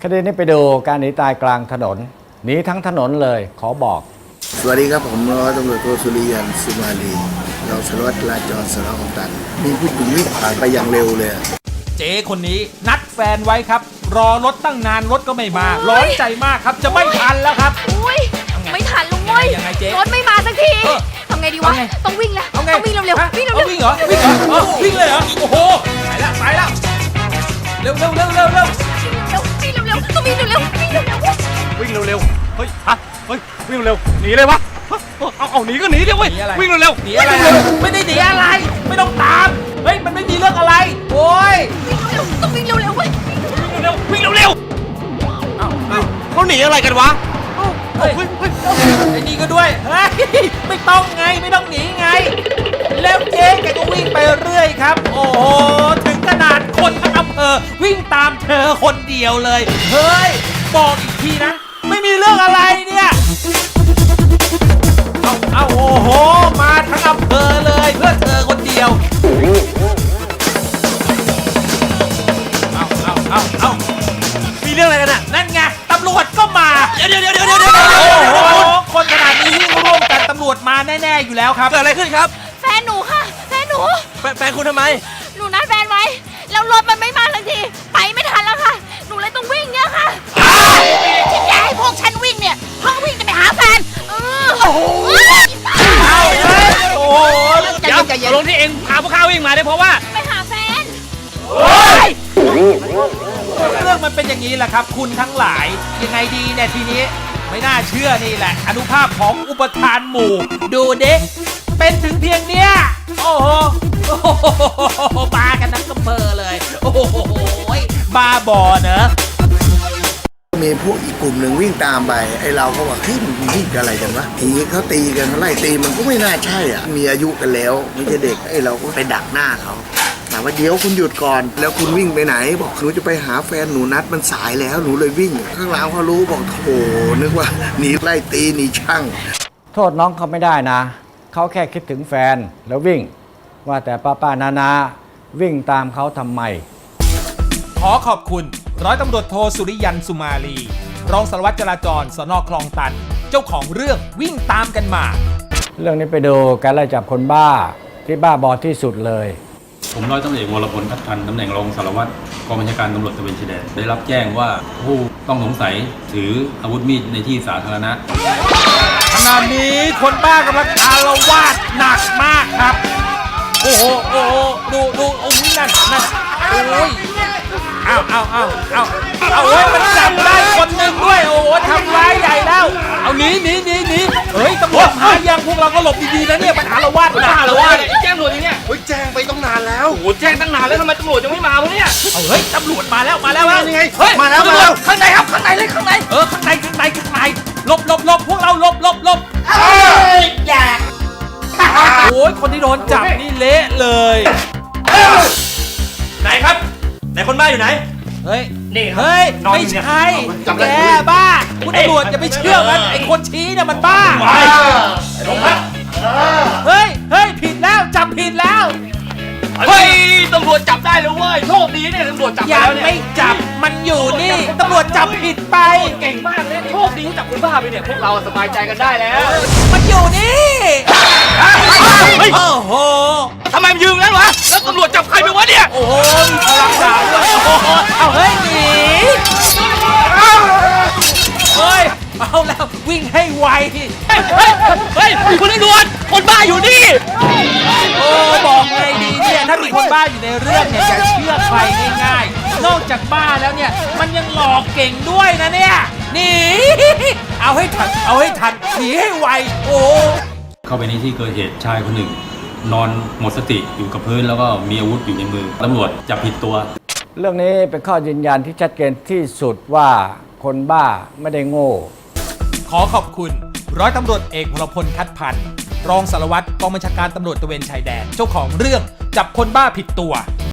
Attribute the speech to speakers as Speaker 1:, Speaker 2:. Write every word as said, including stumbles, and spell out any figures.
Speaker 1: ดีนี้ไปดูการหนีตายกลางถนนหนีทั้งถนนเลยขอบอก
Speaker 2: สวัสดีครับผมร้อยตำรวจโทสุริยันสุมาลีเราสารวัตรจราจรสน.คลองตันมีผู้หญิงวิ่งผ่านไปอย่างเร็วเลย
Speaker 3: เจ๊คนนี้นัดแฟนไว้ครับรอรถตั้งนานรถก็ไม่มาร้อนใจมากครับจะไม่ทันแล้วครับ
Speaker 4: อุ้ยไม่ทันลุงเว้ยรถไม่มาสักทีทำไงดีวะต้องวิ่งแล้วต้องวิ่งเร็วๆวิ่งเร็วๆ
Speaker 3: วิ่งเหรอวิ่งเหรอวิ่งเลยเหรอโอ้โหไปแล้วไปแล้วเร็วเร็วเร็วเร็วเร็ว
Speaker 4: วิ่งเร็วๆต้องวิ่งเร็วๆวิ่งเร็วๆ
Speaker 5: วิ่งเร็วๆเฮ้ยฮะเฮ้ยวิ่งเร็วหนีเลยวะเอาเอาหนีก็หนีเดี๋ยวเว้ยวิ่งเร็ว
Speaker 3: หนีอะไรไม่ได้หนีอะไรไม่ต้องตามเฮ้ยมันไม่มีเรื่องอะไรโอ้ย
Speaker 4: วิ่งเร็วต้องวิ่งเร็วๆเว้ย
Speaker 5: วิ่งเร็ววิ่งเร็วเอ้าเอ้าเขาหนีอะไรกันวะ
Speaker 3: เฮ้ยไอ้นี่ก็ด้วยเฮ้ยไม่ต้องไงไม่ต้องหนีไงแล้วเจ๊แกก็วิ่งไปเรื่อยครับโอ้โหถึงขนาดคนทั้งอำเภอวิ่งตามเธอคนเดียวเลยเฮ้ยบอกอีกทีนะไม่มีเรื่องอะไรเนี่ยเอาเอาโอ้โหมาทั้งอำเภอเลยเพื่อเธอคนเดียวเอาเอาเอาเอา
Speaker 5: มีเรื่องอะไรกันอ่ะ
Speaker 3: นั่นไงตำรวจก็มา
Speaker 5: เดี๋ยวเดี๋ยวเดี๋ยวเดี๋ยวเดี๋ยว
Speaker 3: โอ้โหคนขนาดนี้วิ่งร่วมกันตำรวจมาแน่ๆอยู่แล้วครับ
Speaker 5: เกิดอะไรขึ้นครับ
Speaker 4: แฟนหนูค่ะแฟนหนู
Speaker 5: แฟนคุณทำไม
Speaker 4: หนูนัดแฟนไว้แล้วรถมันไม่มาสักทีไปไม่ทันแล้วค่ะหนูเลยต้องวิ่งเนี่ยค่ะที่แกให้พวกฉันวิ่งเนี่ยเพราะวิ่งจะไปหาแฟนเออโอ้โห
Speaker 3: โอ้โห
Speaker 5: เดี๋ยวลงที่เองพาพวกข้าวิ่งมาได้เพราะว่า
Speaker 4: ไปหาแฟน
Speaker 3: เรื่องมันเป็นอย่างนี้แหละครับคุณทั้งหลายยังไงดีเนี่ยทีนี้ไม่น่าเชื่อนี่แหละอนุภาพของอุปทานหมู่ดูเด็กเป็นถึงเพียงเนี้ยโอ้โหบากันทั้งอำเภอเลยโอ้โหบ้าบอเนอะ
Speaker 2: มีพวกอีกกลุ่มหนึ่งวิ่งตามไปไอ้เราก็ว่าเฮ้ยมันวิ่งอะไรกันวะทีเขาตีกันเขาไล่ตีมันก็ไม่น่าใช่อ่ะมีอายุกันแล้วไม่ใช่เด็กไอ้เราก็ไปดักหน้าเขาแต่ว่าเดี๋ยวคุณหยุดก่อนแล้วคุณวิ่งไปไหนบอกหนูจะไปหาแฟนหนูนัดมันสายแล้วหนูเลยวิ่งข้างหลังเขารู้บอกโธ่นึกว่าหนีไล่ตีหนีช่าง
Speaker 1: โทษน้องเขาไม่ได้นะเขาแค่คิดถึงแฟนแล้ววิ่งว่าแต่ป้าป้านานาวิ่งตามเขาทำไม
Speaker 3: ขอขอบคุณร้อยตำรวจโทสุริยันสุมาลีรองสารวัตรจราจรสน.คลองตันเจ้าของเรื่องวิ่งตามกันมา
Speaker 1: เรื่องนี้ไปดูการไล่จับคนบ้าที่บ้าบอที่สุดเลย
Speaker 6: ผมร้อยตำรวจเอกวรพลทัพพันธ์ตำแหน่งรองสารวัตรกองบัญชาการตำรวจตระเวนชายแดนได้รับแจ้งว่าผู้ต้องสงสัยถืออาวุธมีดในที่สาธารณะ
Speaker 3: ขณะนี้คนบ้ากำลังอาละวาดหนักมากครับโอ้โหโอ้โหดูดูโอ้ยนั่นนั่นโอ้ยเอาเอาเอาเอาเอาเฮ้ยมันจับได้คนหนึ่งด้วยโอ้โหทำร้ายใหญ่แล้วเอาหนีหนีหนีหนีเฮ้ยตำรวจมายังพวกเราก็หลบดีๆนะเนี่ยมันอาละวาดหนัก
Speaker 5: อาละวาดแจ้งตำรวจอย่างเนี้ยเฮ้ยแจ้งไปต้องนานแล้วโอ้โหแจ้งตั้งนานแล้วทำไมตำรวจยังไม่มาวะเนี่ย
Speaker 3: เอาเฮ้ยตำรวจมาแล้วมาแล้ว
Speaker 5: ยังไงเฮ้ยมาแล้วมาแล้วข้างในครับข้างในเลยข้างใน
Speaker 3: เออข้างในข้างในข้างในหลบหลบหลบพวกเราหลบหลบหลบ
Speaker 4: อย่า
Speaker 3: โอ้ยคนที่โดนจับนี่เละเลย
Speaker 5: ไหนครับไหนคนบ้าอยู่ไหน
Speaker 3: เฮ้ยนี่เฮ้ยไม่ใช่แกบ้าคุณตำรวจจะไปเชื่อมันไอ้คนชี้เนี่ยมันบ้าเฮ้ยเฮ้ยผิดแล้วจับผิดแล้ว
Speaker 5: เฮ้ยตำรวจจับได้แล้วเว้ยโชคดีเนี่ยตำรวจจับ
Speaker 3: แล้วเนี่ยยังไม่จับมันอยู่นี่ตำรวจจับผิดไป
Speaker 5: เก่งมากเลยโชคดีที่จับคนบ้าไปเนี่ยพวกเราสบายใจกันได้แล้ว
Speaker 3: มันอยู่นี่โอ้โห
Speaker 5: ทำไมมันยืนงั้นวะแล้วตำรวจจับใครไปวะเนี่ย
Speaker 3: โอ้โหมีพลังดาบด้วยโอ้โหเอาเฮ้ยหนีเฮ้ยเอาแล้ววิ่งให้ไว
Speaker 5: เฮ้ยเฮ้ยเฮ้ยคุณตำรวจคนบ้าอยู่นี่
Speaker 3: โอ้บอกไงดีเนี่ยถ้ามีคนบ้าอยู่ในเรื่องเนี่ยอย่าเชื่อใครง่ายๆนอกจากบ้าแล้วเนี่ยมันยังหลอกเก่งด้วยนะเนี่ยหนีเอาให้ทันเอาให้ทันหนีให้ไวโอ้
Speaker 6: เข้าไปในที่เกิดเหตุชายคนหนึ่งนอนหมดสติอยู่กับพื้นแล้วก็มีอาวุธอยู่ในมือตำรวจจับผิดตัว
Speaker 1: เรื่องนี้เป็นข้อยืนยันที่ชัดเจนที่สุดว่าคนบ้าไม่ได้โง่
Speaker 3: ขอขอบคุณร้อยตำรวจเอกวรพลทัพพันธ์รองสารวัตรกองบัญชาการตำรวจตระเวนชายแดนเจ้าของเรื่องจับคนบ้าผิดตัว